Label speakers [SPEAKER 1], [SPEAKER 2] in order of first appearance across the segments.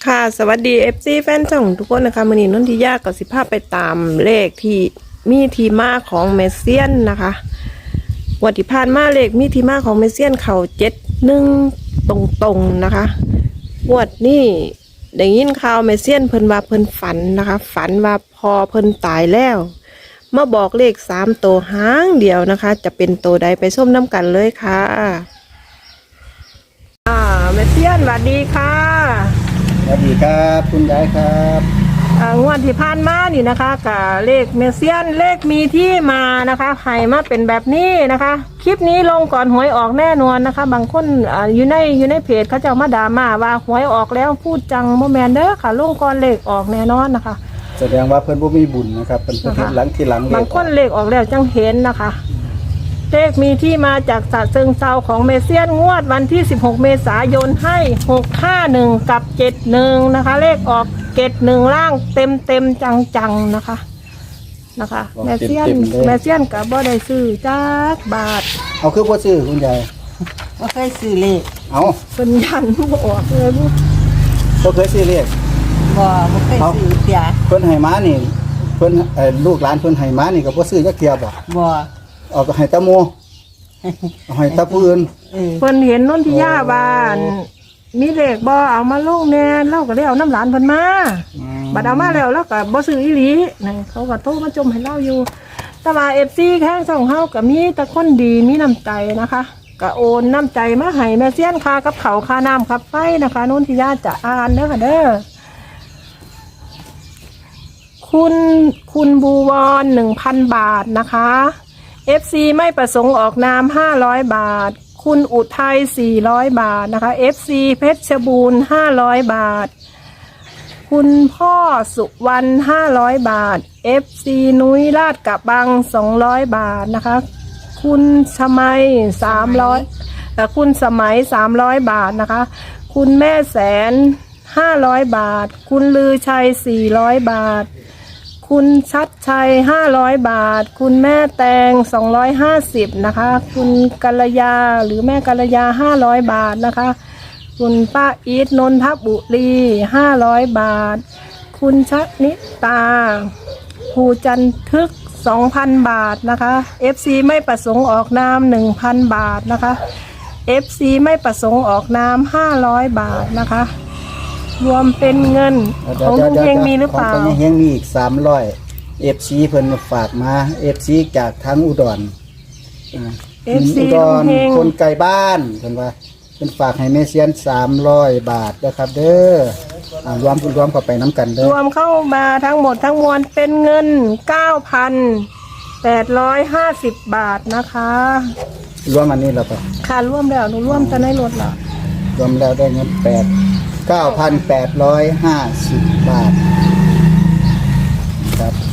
[SPEAKER 1] ค่ะสวัสดี FC แฟนช่องทุกคนนะคะมื้อนี้นนทิยากับสิภาพไปตามเลขที่มีที่มาของเมเซียนนะคะวันที่ผ่านมาเลขมีที่มาของเมเซียนเขา71ตรงๆนะคะงวดนี้ได้ยินข่าวเมเซียนเพิ่นว่าเพิ่นฝันนะคะฝันว่าพอเพิ่นตายแล้วมาบอกเลข3ตัวหางเดียวนะคะ จะเป็นตัวใดไปส้มน้ำกันเลยค่ะเมเซียนสวัสดีค่ะ
[SPEAKER 2] สวัสดีครับคุณยายครับ
[SPEAKER 1] งวดที่ผ่านมานี่นะคะกับเลขเมเซียนเลขมีที่มานะคะให้มาเป็นแบบนี้นะคะคลิปนี้ลงก่อนหวยออกแน่นอนนะคะบางคนอยู่ในเพจเขาจะมาด่ามาว่าหวยออกแล้วพูดจังโมแมนเด้อค่ะลงก่อนเลขออกแน่นอนนะคะ
[SPEAKER 2] แสดงว่าเพิ่นบ่มีบุญนะครับเพิ่นเฮ็ดหลังที่หลัง
[SPEAKER 1] บางคนเลขออกแล้วจังเห็นนะคะเลขมีที่มาจากฉะเชิงเทราของเมเซียนงวดวันที่16เมษายนให้651กับ71นะคะเลขออก71ล่างเต็มจังๆนะคะแมเซียนกับบ่ได้ซื้อจักบาท
[SPEAKER 2] เอาคือบ่ซื้อคุณยาย
[SPEAKER 3] บ่เคยซื้อเลข
[SPEAKER 2] เอา
[SPEAKER 1] เพิ่นยันบ่ออกเลย
[SPEAKER 2] บ่เคยซื้อเลข
[SPEAKER 3] บ่เคยซื้อเสีย
[SPEAKER 2] เพิ่นให้มานี่เพิ่นลูกหลานเพิ่นให้มานี่ก็บ่ซื้อจักเที่ยบ่เอาให้ตาโมเอาให้ตาผู้อื่น
[SPEAKER 1] เพิ่นเห็นนนทิยาบ้านมีเลขบ่เอามาลงแน่เราก็ได้เอาน้ำหลานเพิ่นมาบัดเอามาแล้วก็บ่ซื้ออีหลีนั่นเขาก็โทรมาจมให้เราอยู่แต่ว่า FC แข้งช่องเฮาก็มีแต่คนดีมีน้ำใจนะคะก็โอนน้ำใจมาให้แม่เซียนค่ากับเขาค่าน้ำค่าไฟนะคะนนทิยาจะอ่านเด้อค่ะเด้อคุณบูวอน1,000 บาทนะคะ FC ไม่ประสงค์ออกนาม500 บาทคุณอุทัย400 บาทนะคะ FC เพชรบูรณ์500 บาทคุณพ่อสุวรรณ500 บาท FC นุ้ยลาดกระบัง200 บาทนะคะคุณสมัย300คุณสมัย300 บาทนะคะคุณแม่แสน500 บาทคุณลือชัย400 บาทคุณชัดชัย500 บาทคุณแม่แตง250นะคะคุณกัลยาหรือแม่กัลยา500 บาทนะคะคุณป้าอีทนนทบุรี500 บาทคุณชนิตาภูจันทึก 2,000 บาทนะคะ FC ไม่ประสงค์ออกนาม 1,000 บาทนะคะ FC ไม่ประสงค์ออกนาม500 บาทนะคะรวมเป็นเงินของลุงเฮงมีหรือเปล่า
[SPEAKER 2] ของลุงเฮงมีอีก300 FC เพิ่นฝากมา FC จากทางอุดร
[SPEAKER 1] FC
[SPEAKER 2] คนไกลบ้านเพิ่นว่าเพิ่นฝากให้แม่เซียน300 บาทนะครับเด้อรวมเข้าไปน้ำกันเด้อ
[SPEAKER 1] รวมเข้ามาทั้งหมดทั้งมวลเป็นเงิน 9,850 บาทนะคะ
[SPEAKER 2] รวมอันนี้แล้วป่ะ
[SPEAKER 1] ค่ะรวมแล้วหนูรวมจะในรถเหรอ
[SPEAKER 2] รวมแล้วได้เงิน9,850 บาทครับ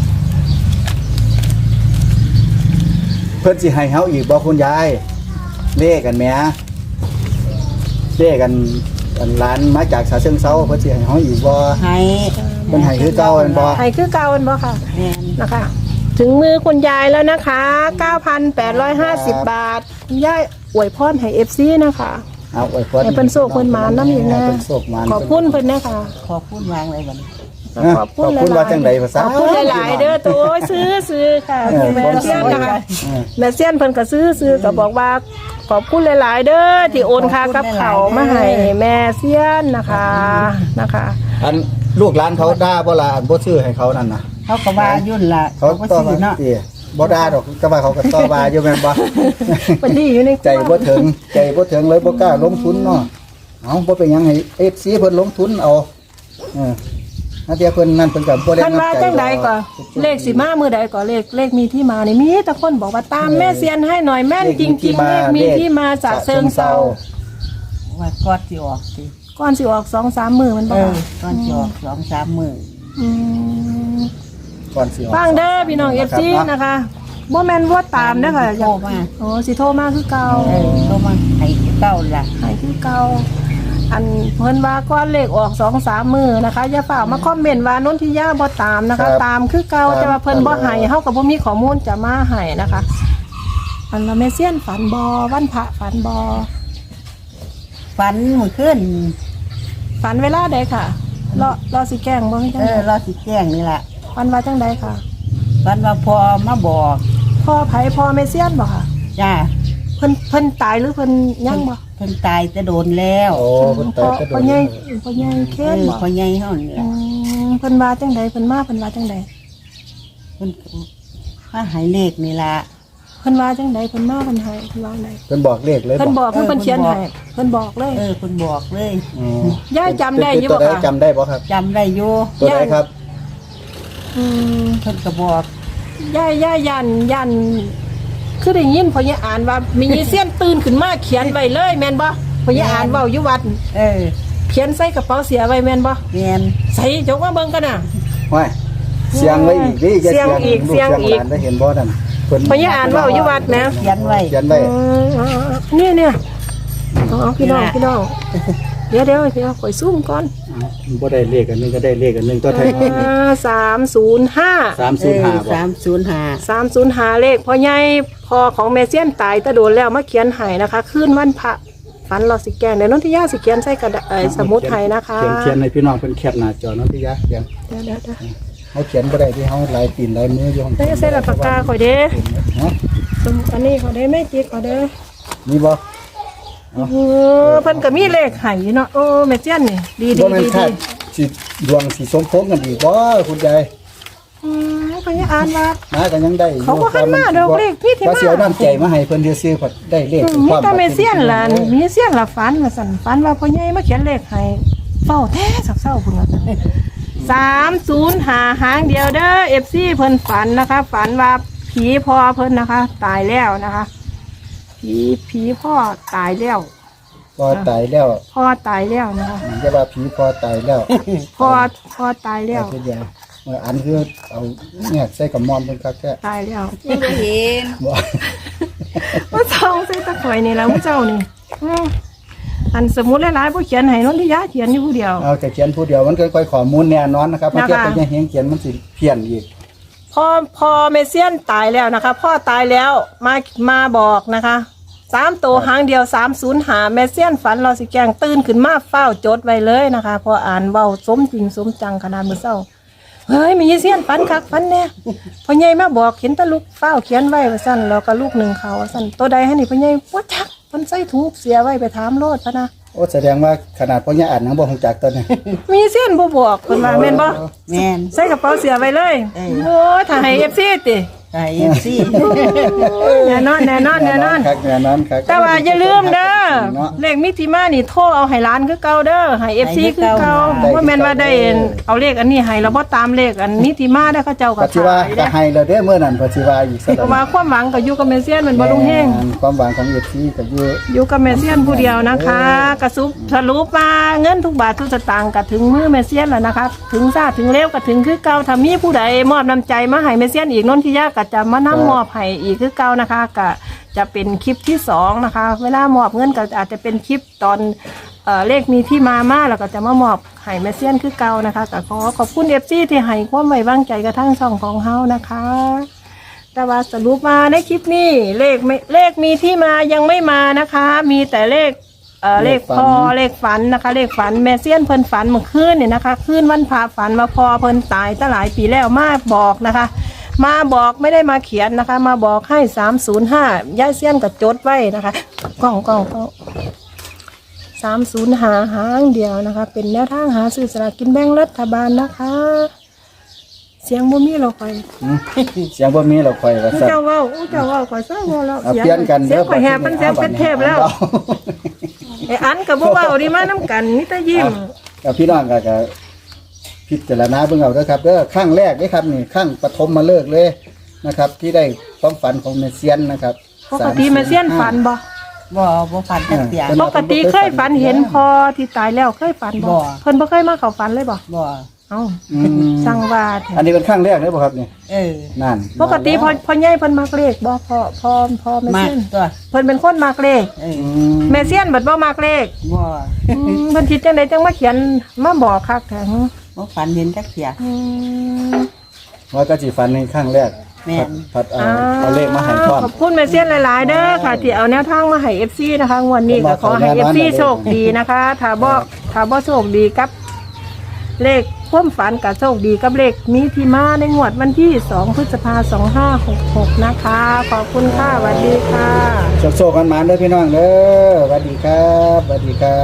[SPEAKER 2] เพิ่นสิให้เฮาอีกบ่คุณยายเลขกันแหมเลขกันร้านมาจากฉะเชิงเทราเพิ่นสิให้เฮาอีกบ่
[SPEAKER 3] ให้
[SPEAKER 2] เพิ่นให้คือเก่าแม่นบ่
[SPEAKER 1] ให้คือเก่าแม่นบ่ค่ะนะคะถึงมือคุณยายแล้วนะคะ 9,850 บาทคุณยายอวยพรให้ FC นะคะ
[SPEAKER 2] เอาอวยพร
[SPEAKER 1] ให้เพิ่นโชคเพิ่นหมานนำอยู่นะขอบคุณเพิ่นนะคะ
[SPEAKER 3] ขอบคุณวางเลยบัดนี้
[SPEAKER 1] ขอบคุณ
[SPEAKER 2] ว่าจังได๋ภาษา
[SPEAKER 1] ขอบคุณหลายๆเด้อตัวซื้อค่ะแม่เซียนนะคะแม่เซียนเพิ่นก็ซื้อก็บอกว่าขอบคุณหลายๆเด้อที่โอนค่ากับเขามาให้แม่เซียนนะคะ
[SPEAKER 2] อันลูกหลานเขาด่าบ่ล่ะอันบ่ซื้อให้เขานั่นน่ะ
[SPEAKER 3] เขาก็ว่ายุ่นล่ะ
[SPEAKER 2] เขาบ่ซื้อเนาะบ่ด่าดอกก็ว่าเขาก็ต่อว่าอยู่แม่นบ่
[SPEAKER 1] มันดีอยู่ใน
[SPEAKER 2] ใจบ่ถึงเลยบ่กล้าลงทุนเนาะเอาบ่เป็นหยังให้ FC เพิ่นลงทุนเอานาเดียเพิ่นนั่นเพิ่นก็บ่ได้
[SPEAKER 1] นำใจจังใดก็เลขสิมามื้อใดก็เลขมีที่มานี่มีแต่คนบอกว่าตามแม่เซียนให้หน่อยแม่นจริงๆเลขมีที่มาจากเชิงเทรา
[SPEAKER 3] ว่าก่อนสิออกสิ
[SPEAKER 1] ก่อนสิออก 2-3 มื้อมันบ่
[SPEAKER 3] ก่อนสิออก 2-3 มื้อ
[SPEAKER 2] ก่อนสิออก
[SPEAKER 1] ฟังเด้อพี่น้อง FC นะคะบ่แม่นว่าตามเด้อค่ะ
[SPEAKER 3] โทรมา
[SPEAKER 1] สิโทรมาคือเก่า
[SPEAKER 3] โทรมาให้เก่าล่ะ
[SPEAKER 1] ให้คือเก่าอันเพิ่นว่าก้อนเลขออก 2-3 มื้อนะคะอย่าฝากมาคอมเมนต์ว่านนทิยาบ่ตามนะคะตามคือเก่าแต่ว่าเพิ่นบ่ให้เฮาก็บ่มีข้อมูลจะมาให้นะคะอันละแม่เซียนฝันบ่วันพระฝันบ่
[SPEAKER 3] ฝันเมื่อคืน
[SPEAKER 1] ฝันเวลาใดค่ะรอสิแกล้งบ่ให้จังใด
[SPEAKER 3] รอสิแจ้งนี่แหละ
[SPEAKER 1] ฝันว่าจังใดค่ะ
[SPEAKER 3] วันว่าพอมาบอก
[SPEAKER 1] พ่อไผพ่อแม่เซียนบ่ค่ะ
[SPEAKER 3] จ้า
[SPEAKER 1] เพิ่นตายหรือเพิ่นยังบ่
[SPEAKER 3] เพิ่นตายจะโดนแล้ว
[SPEAKER 2] โอ้เพิ่นตายก็โด
[SPEAKER 1] พ่อน ใหญ่พ่อใหญ่เคนบ่
[SPEAKER 3] พ่อใหญ่เฮานี่
[SPEAKER 1] อื
[SPEAKER 3] ล่ะ
[SPEAKER 1] มเพิ่นว่าจังใดเพิ่นมาเพิ่นว่าจังใด
[SPEAKER 3] เพิ่นมาให้เลขนี่ล่ะ
[SPEAKER 1] เพิ่นว่าจังใดเพิ่นมาเพิ่นให้เพิ่นว่าจังใด
[SPEAKER 2] เพิ่นบอกเลขเลย
[SPEAKER 1] เพิ่น
[SPEAKER 2] บบ อ
[SPEAKER 1] อก กเพิ่นเขียนให้เพิ่นบอกเลย
[SPEAKER 3] เพิ่นบอกเลย
[SPEAKER 2] อืม
[SPEAKER 1] ย่าจำได้อยู่บ่
[SPEAKER 2] ตัวใด
[SPEAKER 1] คะ
[SPEAKER 2] จำได้บ่ครับ
[SPEAKER 3] จำได้อยู่
[SPEAKER 2] ตัวใดครับ
[SPEAKER 1] อืม
[SPEAKER 3] เพิ่นก็บอก
[SPEAKER 1] ย่ายันคือได้ยินพ่อใหญ่อ่านว่ามีเซียนตื่นขึ้นมาเขียนไว้เลยแม่นบ่พ่อใหญ่อ่านเว้าอยู่วัด เขียนใส่กระเป๋าเสียไว้แม่นบ่
[SPEAKER 3] แม่น
[SPEAKER 1] ใส่จกมาเบิ่งกันน่ะ
[SPEAKER 2] ห้วยเสียงไว้อีกดิอย่า
[SPEAKER 1] เสียงอีก
[SPEAKER 2] ลู
[SPEAKER 1] เสียงอีก
[SPEAKER 2] หลานได้เห็นบ่นั่นเพิ่น
[SPEAKER 1] พ่อใหญ่อ่านเว้าอยู่วัดแหม
[SPEAKER 3] เขียนไว้
[SPEAKER 2] เขียนไว้
[SPEAKER 1] เนี่ยเอาพี่น้องเดี๋ยวข่อยซูมก่อน
[SPEAKER 2] บ่ได้เลขอันนึงก็ได้เลขอันนึงตัวไทย
[SPEAKER 1] 305
[SPEAKER 2] 305บ่
[SPEAKER 3] 305
[SPEAKER 1] เลขพ่อใหญ่พ่อของแม่เซียนตายแต่โดนแล้วมาเขียนให้นะคะคืนวันพระฝันเราสิแกงเดี๋ยวนนทิยาสิเขียนใส่กระดาษสมุดให้นะคะ
[SPEAKER 2] เขียนให้พี่น้องเพิ่นแคปหน้าจอเนาะพี่ยะเขียน
[SPEAKER 1] เดี๋ยว
[SPEAKER 2] เฮาเขียนบ่ได้ที่เฮาลายตีนลายมืออยู่ห้อง
[SPEAKER 1] ได้ใส่ละปากกาข่อยเด้
[SPEAKER 2] ฮะ
[SPEAKER 1] สมุดอันนี้ข่อยเด้ไม่จิกข่อยเด้อ
[SPEAKER 2] มีบ่
[SPEAKER 1] เพิ่นก็มีเลขให้อยู่เนาะโอ้แม่เจียนนี่ดี
[SPEAKER 2] บ่แม่นคาดสิดวงสิสมพงษ์กันอีกบ่คุณยาย
[SPEAKER 1] เพิ่นยังอ่านว่า
[SPEAKER 2] มากันยังได้อยู่
[SPEAKER 1] เขาบ่หันมาดอกเลขพี่ที่มา
[SPEAKER 2] ว่าสิเอาน้ำใจมาให้เพิ่นซื่อๆพอได้เลข
[SPEAKER 1] มีแต่แม่เซียนล่ะมีเซียนละฝันว่าซั่นฝันว่าพ่อใหญ่มาเขียนเลขให้เฝ้าแท้สักเศร้าเพิ่นว่า305หางเดียวเด้อ FC เพิ่นฝันนะคะ ฝันว่าผีพ่อเพิ่นนะคะ ตายแล้วนะคะผีพ่อตายแล้ว
[SPEAKER 2] พอตายแล้ว
[SPEAKER 1] พ่อตายแล้วนะคะ
[SPEAKER 2] จะว่าผีพอตายแล้ว
[SPEAKER 1] พ่อตายแล้ว
[SPEAKER 2] ทุกอย่างอันคือเอาเนี่ยใส่กับมอมเพิ่นคักแท้
[SPEAKER 1] ตายแล้ว
[SPEAKER 3] ยังบ่เห็น
[SPEAKER 2] บ่
[SPEAKER 1] ว่าซองใส่ตะข่อยนี่แหล้วเจ้านี่อันสมุดหลายๆผู้เขียนให้นนทิยาเขียนอยู่ผู้เดียว
[SPEAKER 2] เอาแต่เขียนผู้เดียวมันก็ค่อยข้อมูลแน่นอนนะครับ
[SPEAKER 1] นะคะ
[SPEAKER 2] มาเทียบกับยังเฮงเขียนมันสิเพี้ยนอีก
[SPEAKER 1] พ่อเมเซียนตายแล้วนะคะ พ่อตายแล้วมาบอกนะคะ3 ตัวหางเดียว305เมเซียนฝันเราสิแกงตื่นขึ้นมาเฝ้าจดไว้เลยนะคะพออ่านเว้าสมจริงสมจังขนาดมื้อเช้าเฮ้ยมีเซียนฝันคักฝันแน่พ่อใหญ่มาบอกเห็นแตะลูกเฝ้าเขียนไว้ว่าซั่นแล้วก็ลูกหนึ่งเขาว่าซั่นตัวใดให้นี่พ่อใหญ่บ่จักเพิ่นใส่ถุงเสียไว้ไปถามโลดพะนะ
[SPEAKER 2] โอ้แสดงว่าขนาดพ่อเนี่ยอ่านหนังบ่ฮู้จักตัวนี้
[SPEAKER 1] มีเส้นบ่บอกเพิ่นว่าแม่นบ่
[SPEAKER 3] แม่น
[SPEAKER 1] ใส่กระเป๋าเสียไว้เลย โอ้ยถ้าให้ FC ติ
[SPEAKER 3] ไอ้ FC
[SPEAKER 1] แน่นอน
[SPEAKER 2] ครับแน่นอนครับ
[SPEAKER 1] แต่ว่าอย่าลืมเด้อ
[SPEAKER 2] เนาะ
[SPEAKER 1] เลขมิติมานี่โทรเอาให้ร้านคือเก่าเด้อให้ FC คือเก่าว่าแม่นว่าได้เอาเลขอันนี้ให้แล้วบ่ตามเลขอันมิติมาได้เขาเจ้าก็
[SPEAKER 2] ปัจจุบัน
[SPEAKER 1] ขาย
[SPEAKER 2] ก็
[SPEAKER 1] เด้อ
[SPEAKER 2] ให้แล้วเด้อเมื่อนั้นปัจจุบันอีกสัก
[SPEAKER 1] เพราะว่าความหวังก็อยู่กับแม่เซียนมันบ่ลุงแฮง
[SPEAKER 2] ความหวังของเอฟซีก็อยู่
[SPEAKER 1] อยู่กับแม่เซียนผู้เดียวนะคะกระสรุปมาเงินทุกบาททุกสตางค์ก็ถึงมือแม่เซียนแล้วนะคะถึงซาถึงเร็วก็ถึงคือเก่าถ้ามีผู้ใดมอบน้ำใจมาให้แม่เซียนอีกนนทิยาก็จะมานำมอบให้อีกคือเก่านะคะก็จะเป็นคลิปที่2นะคะเวลามอบเงินก็อาจจะเป็นคลิปตอนเลขมีที่มาแล้วก็จะมามอบให้แม่เซียนคือเก่านะคะก็ขอบคุณFCที่ให้ความไว้วางใจกระทั่งช่องของเฮานะคะ แต่ว่าสรุปมาในคลิปนี้เลขมีที่มายังไม่มานะคะ มีแต่เลขเลขฝันนะคะ เลขฝันแม่เซียนเพิ่นฝันเมื่อคืนเนี่ยนะคะคืนวันพระฝันมาพอเพิ่นตายตั้งหลายปีแล้วมาบอกนะคะ มาบอกไม่ได้มาเขียนนะคะ มาบอกให้305ย่ายเซียนก็จดไว้นะคะกล้อง305หางเดียวนะคะ เป็นแนวทางหาซื้อสลากกินแบ่งรัฐบาลนะคะ เสียงบ่มีเราไป
[SPEAKER 2] เสียงบ่มีเราค่อยว่าซั่น
[SPEAKER 1] เจ้าเว้าข่อยเศร้าเว้าแล้ว
[SPEAKER 2] เอาเปลี่ยนกัน
[SPEAKER 1] เสียงข่อยแหบมันเสียงเป็นเทพแล้วไอ้อันกับบ่เว้าดีมาน้ำกันนี่แต่ยิ้ม
[SPEAKER 2] กับพี่น้องก็พิจารณาเบิ่งเอาเด้อครับเด้อครั้งแรกเด้อครับนี่ครั้งปฐมมาเลิกเลยนะครับ ที่ได้ความฝันของเมเซียนนะครับ
[SPEAKER 1] ปกติแม่เซียนฝันบ่
[SPEAKER 3] บ่ฝันจักเสีย
[SPEAKER 1] ปกติเคยฝันเห็นพอที่ตายแล้วเคยฝันบ่
[SPEAKER 3] บ่
[SPEAKER 1] เพิ่นบ่เคยมาเข้าฝันเลยบ่
[SPEAKER 3] บ่
[SPEAKER 1] เอ้า
[SPEAKER 2] อืม
[SPEAKER 1] สั่งว่าแท้
[SPEAKER 2] อันนี้เป็นครั้งแรกเลยบ่ครับนี่ นั่น
[SPEAKER 1] ปกติพอใหญ่เพิ่นมักเลขบ่พอแม่
[SPEAKER 3] มา
[SPEAKER 1] เซียน
[SPEAKER 3] ตัว
[SPEAKER 1] เพิ่นเป็นคนมักเลข
[SPEAKER 2] อืม
[SPEAKER 1] แม่เซียนบัดบ่มักเลข
[SPEAKER 3] บ่
[SPEAKER 1] เพิ่นคิดจังไดจังมาเขียนมาบอกคักแท้
[SPEAKER 3] บ่ฝันเห็นจักเสีย
[SPEAKER 1] อืม
[SPEAKER 2] ว่าก็สิฝันในครั้งแรก
[SPEAKER 3] แม่น
[SPEAKER 2] พัดเอาเลขมาให้พร้อม
[SPEAKER 1] ขอบคุณแม่เซียนหลายๆเด้อค่ะที่เอาแนวทางมาให้ FC นะคะงวดนี้ก็ขอให้ FC โชคดีนะคะถ้าบ่โชคดีกับเลขความฝันกับโชคดีกับเลขมีที่มาในงวดวันที่2 พฤษภาคม 2566นะคะขอบคุณค่ะสวัสดีค่ะ
[SPEAKER 2] โชคๆกันมาเด้อพี่น้องเด้อสวัสดีครับสวัสดีครับ